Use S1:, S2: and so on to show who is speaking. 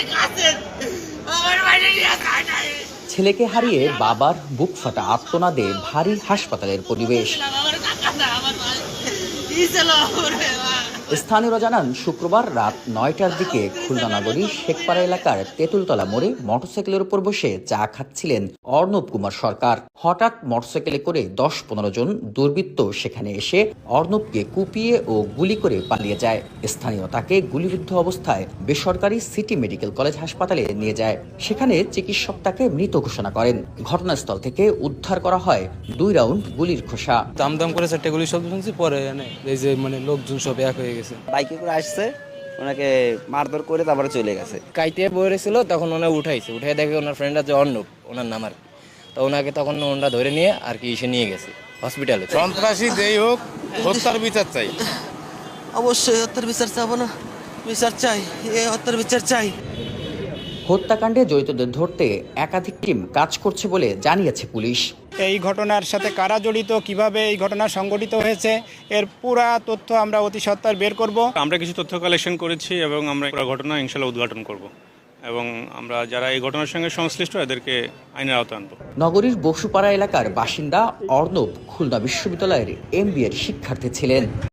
S1: ছেলেকে হারিয়ে বাবার বুক ফাটা আর্তনাদে ভারী হাসপাতালের পরিবেশ। স্থানীয়রা জানান, শুক্রবার রাত ৯টার দিকে খুলনা নগরীর শেখপাড়া এলাকার তেঁতুলতলা মোড়ে মোটরসাইকেলের উপর বসে চা খাচ্ছিলেন অর্ণব কুমার সরকার। হঠাৎ মোটরসাইকেলে করে ১০-১৫ জন দুর্বৃত্ত সেখানে এসে অর্ণবকে কুপিয়ে ও গুলি করে পালিয়ে যায়। স্থানীয় তাকে গুলিবিদ্ধ অবস্থায় বেসরকারি সিটি মেডিকেল কলেজ হাসপাতালে নিয়ে যায়। সেখানে চিকিৎসক তাকে মৃত ঘোষণা করেন। ঘটনাস্থল থেকে উদ্ধার করা হয় ২ রাউন্ড গুলির খোসা।
S2: দাম করে ৪টে গুলি শব্দ শুনছি, পরে এই যে লোকজন সব এক হয়ে গেছে।
S3: বাইকে করে আসছে, ওনাকে মারধর করে তারপরে চলে গেছে।
S4: কাইতে বইরেছিল, তখন ওনা উঠে দেখে ওনার ফ্রেন্ডরা যে অর্ণব, ওনার নাম আর তো ওনাকে তখন ওনারা ধরে নিয়ে আর কি এসে নিয়ে গেছে হসপিটালে।
S5: সন্ত্রাসী যেই হোক, হত্যার বিচার চাই।
S6: অবশ্যই হত্যার বিচার চাবো না, বিচার চাই, হত্যার বিচার চাই।
S1: হত্যাকাণ্ডে জড়িতদের ধরতে একাধিক টিম কাজ করছে বলে জানিয়েছে পুলিশ।
S7: এই ঘটনার সাথে কারা জড়িত, কিভাবে এই ঘটনা সংঘটিত হয়েছে, এর পুরা তথ্য আমরা অতি সত্বর বের করব।
S8: আমরা কিছু তথ্য কালেকশন করেছি এবং আমরা পুরো ঘটনা ইনশাআল্লাহ উদ্ঘাটন করব এবং আমরা যারা এই ঘটনার সঙ্গে সংশ্লিষ্ট এদেরকে আইনের আওতায় আনবো।
S1: নগরীর বসুপাড়া এলাকার বাসিন্দা অর্ণব খুলনা বিশ্ববিদ্যালয়ের MBA শিক্ষার্থী ছিলেন।